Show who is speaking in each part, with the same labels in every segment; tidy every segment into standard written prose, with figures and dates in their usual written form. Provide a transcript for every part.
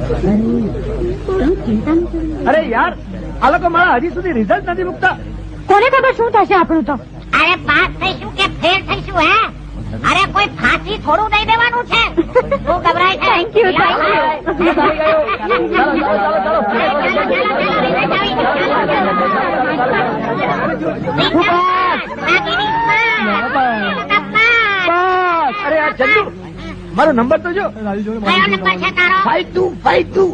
Speaker 1: અરે યાર, આ લોકો મારા હજી સુધી રિઝલ્ટ નથી મૂકતા.
Speaker 2: કોને ખબર શું થશે આપણું તો?
Speaker 3: અરે પાસ થઈશું કે ફેલ થઈશું હે? અરે કોઈ ફાંસી થોડું દઈ દેવાનું છે. શું ગભરાય છે?
Speaker 2: થેન્ક યુ, થેન્ક
Speaker 1: અરે આ ચંદુ, મારો નંબર તો જો.
Speaker 3: કયો નંબર છે તારો?
Speaker 1: 5252.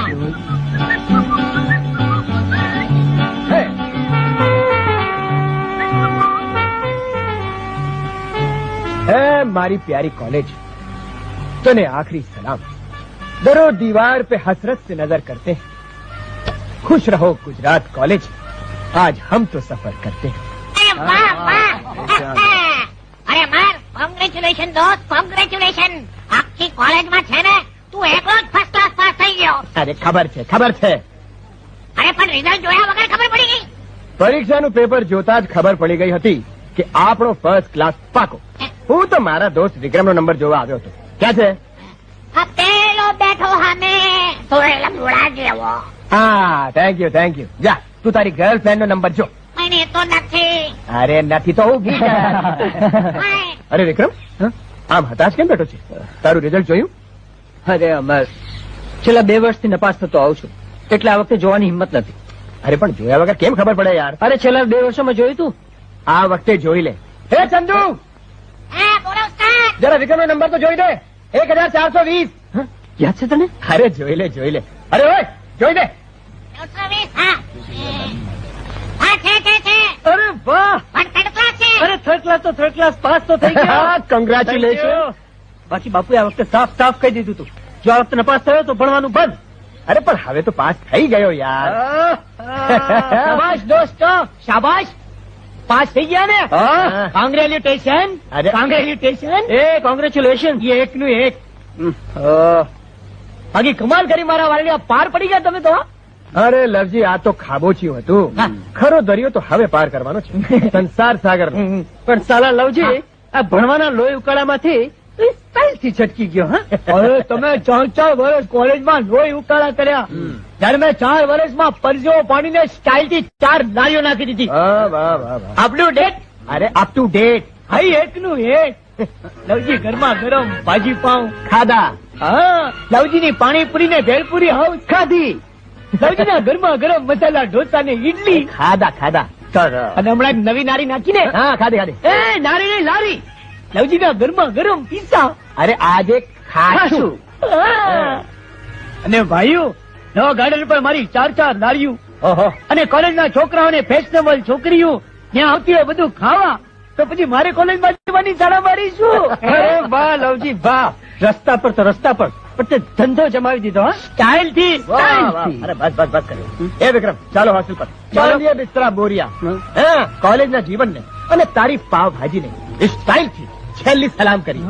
Speaker 1: मारी प्यारी कॉलेज, तूने आखिरी सलाम. दरो दीवार पे हसरत से नजर करते हैं. खुश रहो गुजरात कॉलेज, आज हम तो सफर करते हैं.
Speaker 3: અરે વાહ વાહ. અરે માર, કોંગ્રેચ્યુલેશન દોસ્ત, કોંગ્રેચ્યુલેશન. આખી કોલેજમાં છે ને તું એકલો જ ફર્સ્ટ ક્લાસ પાસ થઈ ગયો.
Speaker 1: अरे खबर छे, खबर छे.
Speaker 3: અરે પણ રિઝલ્ટ જોયા વગર ખબર પડી ગઈ.
Speaker 1: પરીક્ષાનું પેપર જોતા જ ખબર પડી ગઈ હતી કે આપણો ફર્સ્ટ ક્લાસ પાકો. હું તો મારા દોસ્ત વિક્રમનો નંબર જોવા આવ્યો હતો. ક્યાં છે?
Speaker 3: આ પેલો બેઠો સામે, સોળેલા મૂળા જેવો.
Speaker 1: હા, થેન્ક યુ, થેન્ક યુ. જા, તું તારી ગર્લફ્રેન્ડ નો નંબર જો.
Speaker 3: મને તો નથી.
Speaker 1: અરે નથી તો હું ભૂલી ગયા. અરે વિક્રમ, આમ હતાશ કેમ બેઠો છે? તારું રિઝલ્ટ જોયું?
Speaker 4: અરે અમર, છેલ્લા 2 વર્ષથી નપાસ થતો આવું છું, એટલે આ વખતે જોવાની હિંમત નથી.
Speaker 1: અરે પણ જોયા વગર કેમ ખબર પડે યાર?
Speaker 4: અરે છેલ્લા 2 વર્ષોમાં જોયું તું.
Speaker 1: આ વખતે જોઈ લે. હે ચંદુ,
Speaker 3: હા બોલો ઉસ્તાદ.
Speaker 1: જરા વિક્રમનો નંબર તો જોઈ દે. 1420.
Speaker 4: યાદ છે તને?
Speaker 1: અરે જોઈ લે, જોઈ લે. અરે ઓય, જોઈ દે.
Speaker 3: 920. હા હા છે.
Speaker 4: અરે વાહ,
Speaker 3: પણ થર્ડ ક્લાસ છે.
Speaker 4: અરે થર્ડ ક્લાસ તો થર્ડ ક્લાસ પાસ તો થઈ ગયા.
Speaker 1: કોંગ્રેચ્યુલેશન.
Speaker 4: બાકી બાપુએ આ વખતે સાફ સાફ કહી દીધું તું, જો આ વખતે નપાસ થયો તો ભણવાનું બંધ.
Speaker 1: અરે પણ હવે તો પાસ થઈ ગયો યાર.
Speaker 4: શાબાશ દોસ્તો, શાબાશ. પાસ થઈ ગયા ને? કોંગ્રેચ્યુલેશન.
Speaker 1: અરે
Speaker 4: કોંગ્રેચ્યુલેશન. એ કોંગ્રેચ્યુલેશન. એ એકનું એક. બાકી કમાલ કરી મારા વાળી, પાર પડી ગયા તમે તો.
Speaker 1: અરે લવજી, આ તો ખાબોચિયું હતું. ખરો દરિયો તો હવે પાર કરવાનો છે, સંસાર સાગર.
Speaker 4: પણ સાલા લવજી, આ ભણવાના લોહી ઉકાળામાંથી સ્ટાઇલથી છટકી ગયો. અરે તમે 4 વર્ષ કોલેજમાં લોહી ઉકાળા કર્યા, ત્યારે મેં 4 વર્ષમાં પરસેવો પાણીને સ્ટાઇલથી 4 નાળીઓ નાખી દીધી. આપણું ડેટ.
Speaker 1: અરે અપ ટુ ડેટ.
Speaker 4: હાઈ એકનું એક. લવજી ગરમા ગરમ ભાજી પાઉં
Speaker 1: ખાધા.
Speaker 4: હા, લવજીની પાણીપુરી ને ભેલપુરી હાવ ખાધી. લવજીના ગરમા ગરમ મસાલા ઢોસા ને ઈડલી
Speaker 1: ખાધા.
Speaker 4: અને હમણાં એક નવી નારી નાખીને.
Speaker 1: હા, ખાધી.
Speaker 4: એ નારી ની લારી. લવજીના ગરમા ગરમ પિઝા.
Speaker 1: અરે આજે ખાશું.
Speaker 4: અને ભાઈઓ, નવા ગાર્ડન પર મારી 4 લારીઓ.
Speaker 1: ઓહો.
Speaker 4: અને કોલેજના છોકરાઓને ફેશનેબલ છોકરીઓ ત્યાં આવતી હોય બધું ખાવા, તો પછી મારે કોલેજમાં જવાની શાળા મારી શું? અરે વાહ લવજી વાહ. રસ્તા પર તો રસ્તા પર, પણ તે ધંધો જમાવી દીધો. સ્ટાઇલ થી.
Speaker 1: અરે બસ કર્યો. એ વિક્રમ, ચાલો હોસ્ટેલ પર. ચાલો બિસ્તરા બોરિયા. હા, કોલેજના જીવનને અને તારી પાવ ભાજીને સ્ટાઇલથી છેલ્લી સલામ કરી.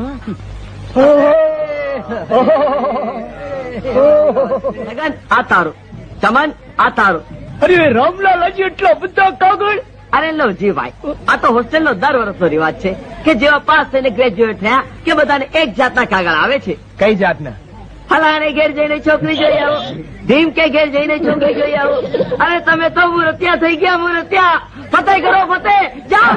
Speaker 4: આ તારો ચમન, આ તારો. અરે રામલાલ, હજી એટલો બધો કાગળ.
Speaker 5: અરે લવજી ભાઈ, આ તો હોસ્ટેલ નો દર વર્ષનો રિવાજ છે કે જેવા પાસ થઈને ગ્રેજ્યુએટ થયા કે બધાને એક જાતના કાગળ આવે છે.
Speaker 1: કઈ જાતના?
Speaker 5: ફલાણે ઘેર જઈને છોકરી જોઈ આવો, ભીમ કે ઘેર જઈને છોકરી જોઈ આવો. અરે તમે તો મૂર્ત્યા થઈ ગયા, મૂર્ત્યા. ફતેહ કરો, ફતેહ. જાઓ.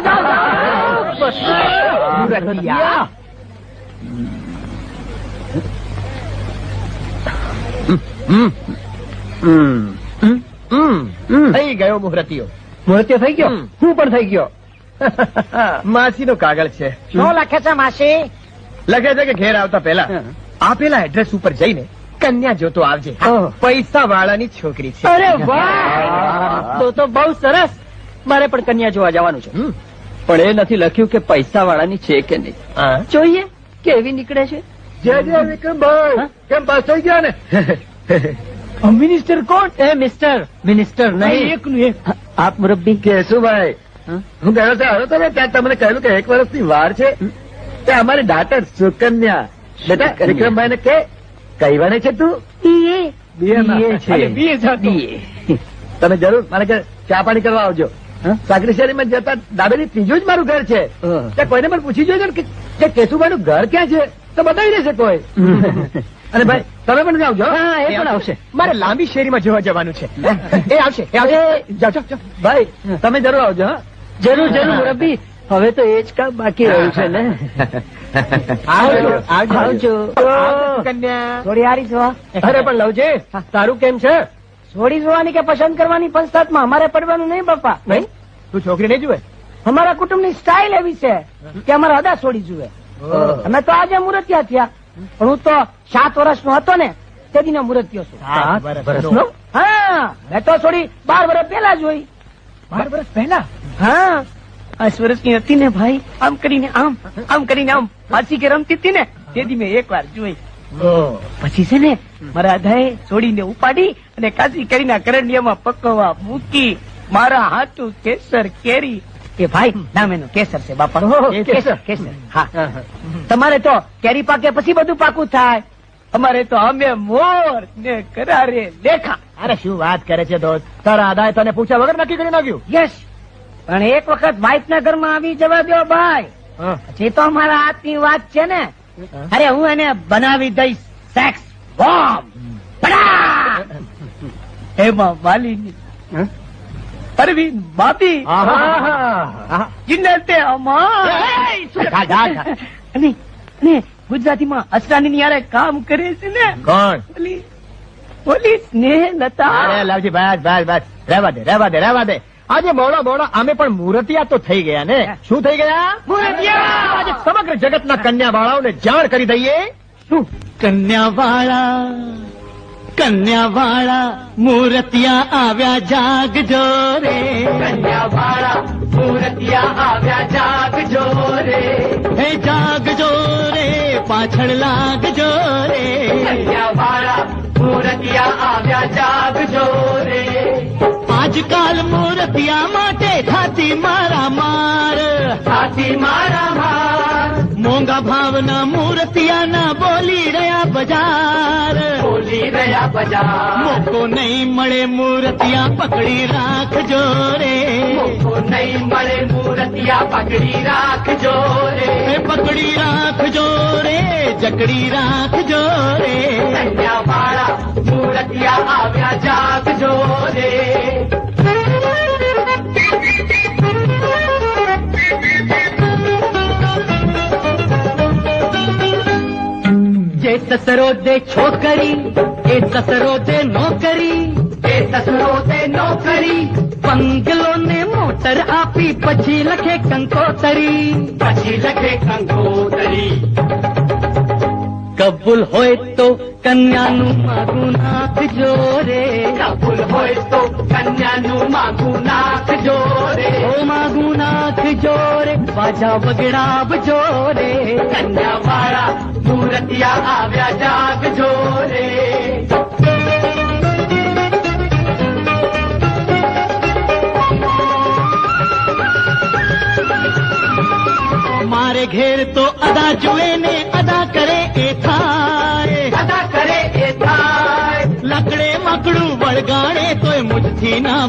Speaker 1: થઈ ગયો મુહૂર્તિયો.
Speaker 4: મૂર્તિઓ થઈ ગયો. હું પણ થઈ ગયો.
Speaker 1: માસીનો કાગળ છે.
Speaker 3: શું લખે છે માસી?
Speaker 1: લખે છે કે ઘેર આવતા પહેલા આપેલા એડ્રેસ ઉપર જઈને કન્યા જોતો આવજે. પૈસા વાળાની છોકરી છે.
Speaker 4: અરે વાહ, તો બહુ સરસ. મારે પણ કન્યા જોવા જવાનું છે, પણ એ નથી લખ્યું કે પૈસા વાળાની છે કે નહીં. જોઈએ કેવી નીકળે છે.
Speaker 1: જય વિક્રમભાઈ, કેમ પાસ થઈ ગયા ને?
Speaker 4: મિનિસ્ટર કોણ? એ મિનિસ્ટર નહીં, એકનું એક. આપ મુરબ્બી.
Speaker 1: કેશુભાઈ, હું ગયો હતો ત્યાં તમને કહ્યું કે 1 વર્ષની વાર છે. અમારી દાટર સુકન્યા. બેટા વિક્રમભાઈ ને કે કઈ વાને છે તું?
Speaker 4: BA
Speaker 1: તમે જરૂર મારે ઘરે ચા પાણી કરવા આવજો. સાકરી શેરીમાં જતા દાબેલી ત્રીજું જ મારું ઘર છે. ત્યાં કોઈને પણ પૂછી જોજો કે કેશુભાઈ નું ઘર ક્યાં છે તો બતાવી દેશે કોઈ.
Speaker 4: અને ભાઈ તમે પણ જાઓ. હા, એ પણ આવશે.
Speaker 1: મારે લાંબી શેરીમાં જોવા જવાનું છે. એ આવશે. જાઓ જાઓ.
Speaker 4: ભાઈ તમે જરૂર આવજો. હા, જરૂર જરૂર મુરબ્બી. હવે તો એ જ કામ બાકી રહ્યું છે ને. આવજો.
Speaker 1: કન્યા
Speaker 2: થોડી હારી છો
Speaker 4: અરે પણ લવજી, તારું કેમ છે?
Speaker 2: છોડી જોવાની કે પસંદ કરવાની પંચાયતમાં અમારે પડવાનું નહીં બાપા.
Speaker 1: નહીં તું છોકરી નહીં જુએ?
Speaker 2: અમારા કુટુંબની સ્ટાઇલ એવી છે કે અમારે અદા છોડી જુએ. અમે તો આજે મુરતિયા થયા, પણ હું તો 7 વર્ષનો હતો ને તે દિને મુરતિયો છું.
Speaker 1: 7 વર્ષનો?
Speaker 2: હા, મેં તો છોડી 12 વર્ષ પહેલા જોઈ.
Speaker 1: 12 વર્ષ પહેલા?
Speaker 2: હા, 8 વર્ષની હતી ને ભાઈ, આમ કરીને આમ ફાંસી કે રમતી હતી ને તેથી મેં 1 વાર જોઈ. પછી છે ને મારા અધાએ છોડીને ઉપાડી અને કાશી કરીને કરંડિયામાં પકવવા મૂકી. મારા હાથું કેસર કેરી. એ ભાઈ નામ એનું કેસર છે બાપા. કેસર કેસર. હા, તમારે તો કેરી પાકે પછી બધું પાકું થાય, અમારે તો અમે મોર ને કરારે લેખા.
Speaker 1: અરે શું વાત કરે છે દોસ્ત, તારા આદાએ તને પૂછ્યા વગર નક્કી કરી નાખ્યું?
Speaker 2: યસ, પણ એક વખત વાઇફ ના ઘરમાં આવી જવા દો ભાઈ, પછી તો અમારા હાથની વાત છે ને. અરે હું એને બનાવી દઈશ સેક્સ બોમ્બ. એમાં વાલીની પરવીન ભાભી જીનતે અમાર અને ગુજરાતીમાં અસરાની યારે કામ કરે છે ને.
Speaker 1: કોણ?
Speaker 2: ઓલી સ્નેહલતા.
Speaker 1: અરે લાવજી બસ રહેવા દે. આજે મોડા અમે પણ મુરતિયા તો થઈ ગયા ને. શું થઈ ગયા?
Speaker 2: મુરતિયા.
Speaker 1: આજે સમગ્ર જગતના કન્યા બાળાઓને જાણ કરી દઈએ.
Speaker 2: શું?
Speaker 4: કન્યાવાળા મૂર્તિયા આવ્યા જાગજો રે. કન્યાવાળા મૂર્તિયા આવ્યા જાગજો રે. હે જાગજો રે, પાછળ લાગજો રે. કન્યાવાળા મૂર્તિયા આવ્યા જાગજો રે. આજકાલ મૂર્તિયા માટે થાતી મારા માર. મોંઘા ભાવના મૂર્તિયાના બોલી રહ્યા બજાર. મોકો નહીં મળે મૂર્તિયા પકડી રાખજો રે. પકડી રાખજો રે, જકડી રાખજો રે. કન્યાવાળા મૂર્તિયા આવ્યા જાગજો રે. જે સસરો દે છોકરી એ સસરો દે નોકરી. બંગલો ને મોટર આપી પછી લખે કંકોતરી. કબૂલ હોય તો કન્યાનું માગું નાખજો રે. માગું નાખજો રે. બાજા વગડાવજો રે. કન્યાવાળા મૂર્તિયા આવ્યા જાગજો રે. મારે ઘેર તો અદા જુએ ને અદા કરે એ થાય. લકડે મકડું વળગાડે તોય મુજથી ના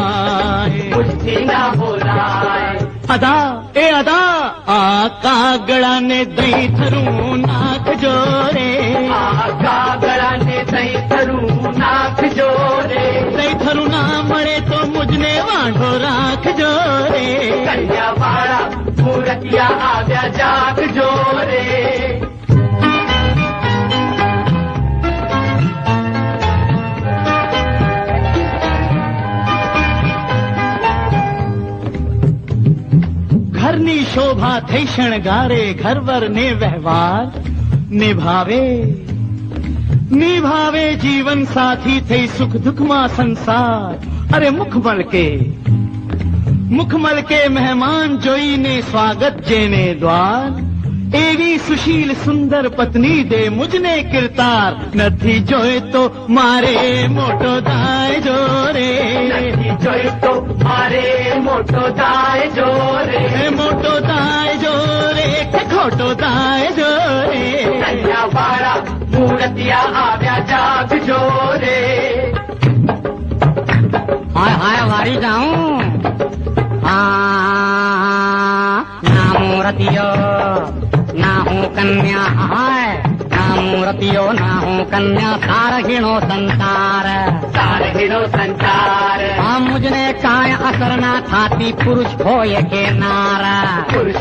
Speaker 4: બોલાય. અદા એ અદા આ કાગળાને દહીં થરું નાખજો રે. દહીં થરું ના મળે તો મુજને વાંઢો રાખજો રે. કન્યાવાળા મૂર્તિયા આવ્યા જાગજો રે. ઘરની શોભા થઈ શણગારે, ઘરવર ને વ્યવહાર નિભાવે જીવન સાથી થઈ સુખ દુઃખમાં સંસાર. અરે મુખ મલકે મહેમાન જોઈને સ્વાગત જેને દ્વાર. એવી સુશીલ સુંદર પત્ની દે મુજને કિરતાર. નથી જોઈ તો મારે મોટો દાયજો રે. મોટો દાયજો રે કે ખોટો દાયજો રે. કન્યાવાળા મૂર્તિયા આવ્યા જાગજો રે.
Speaker 5: હાય વારી જાઉં ના મૂર્તિયો ના હું કન્યા હાય ના
Speaker 6: મૂર્તિઓ ના હું કન્યા સારહીણો સંસાર આ મુજને કાંઈ અસર ના થાતી પુરુષ હોય કે નારા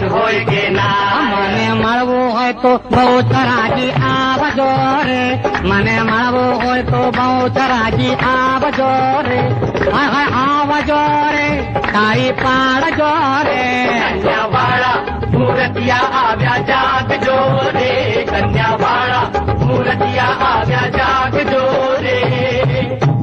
Speaker 6: મને મળવું હોય તો બહુ ચરાજી આવજો રે મને મળવું હોય તો બહુ ચરાજી આવજો રે આવજો રે તારી પાડજો રે
Speaker 7: કન્યાવાળા મૂર્તિયા આવ્યા જાગજો રે કન્યાવાળા મૂર્તિયા આવ્યા જાગજો રે